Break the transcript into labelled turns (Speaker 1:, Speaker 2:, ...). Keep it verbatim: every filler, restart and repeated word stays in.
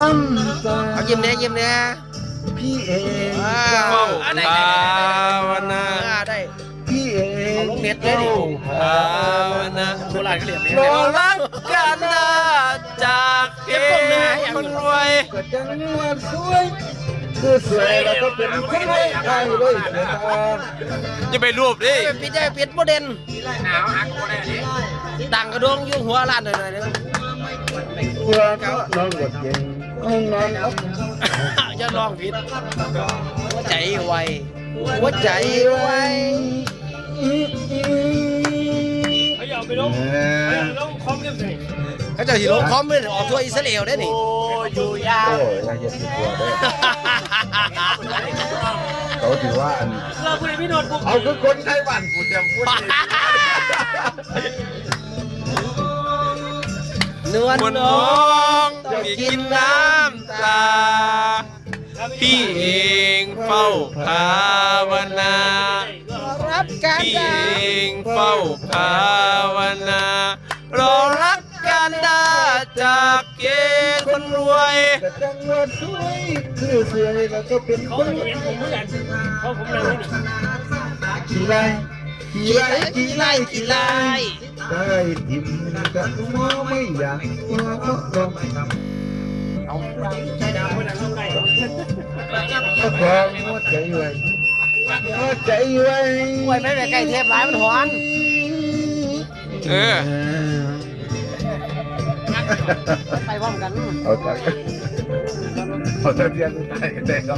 Speaker 1: เอายิ้มเนี้ยยิ้มเนี้ย
Speaker 2: พี่เอง
Speaker 1: เฝ้า
Speaker 3: ภาวนา
Speaker 1: ได้
Speaker 2: พี่เอง
Speaker 1: เอาลงเน็ตเลยดิ
Speaker 3: ภาวนา
Speaker 1: โบราณก็เรียกเนี้ย
Speaker 3: รอรักกันนะจากเกคนรวย
Speaker 2: ก็จังหวัดสวยคือสวยแล้วก็เป็นคนไทยเลยนะ
Speaker 3: จะไปรูปดิ
Speaker 1: เป็นปิดได้ปิดโมเดลดังกระดงอยู่หัวร้านหน่อยๆนึง
Speaker 2: เพื่อก็นอนกดเย็นห้องนอนอับ
Speaker 1: อย่าลองผิดหัวใจไวหัวใจไว
Speaker 4: เอาไปลงลงคอมยังไง
Speaker 1: เขาจะหิลงคอมเลยออกทัวร์อิสราเอลได้นี่
Speaker 3: อยู่ยาว
Speaker 2: โอ้ยน่าจะติดตัวได้เขาถือว่าอัน
Speaker 4: เราคุณพี่โนดบุก
Speaker 2: เอาคือคนไทยบ้านกูจะพูด
Speaker 1: นวล
Speaker 3: คน
Speaker 1: น้
Speaker 3: น้
Speaker 1: อ
Speaker 3: อง งมีกินน้ำตา พี่เองเฝ้าภาวนา
Speaker 1: รับการ
Speaker 3: พี่
Speaker 1: ได้
Speaker 3: เองเฝ้าภาวนา รอรักกันได้จากเกคนรวย
Speaker 2: แต่จังหวัดสวยคือสวยแล้วก็เป็น
Speaker 4: เขา
Speaker 2: คน
Speaker 4: เห็นผมเหมือนกันเขาผมเลยนี่
Speaker 2: ขี่ไล่ขี่
Speaker 1: กี่
Speaker 2: ไล่
Speaker 1: ไล่กี่ไล่กี่ไล่
Speaker 2: ได้ทิมกับมอไม่อยากตัวก็ลอง
Speaker 1: เอา
Speaker 4: ใช้ดาวคนนั้นลงไก่
Speaker 2: ก็พอหัวใจไว้หัวใจไว้
Speaker 1: ไว้ไม่ไปใกล้เทพร้ายมันหอน
Speaker 3: เออ
Speaker 1: ไปพร้อมกัน
Speaker 2: เอาจากเอาจากเรียนไปได้ก็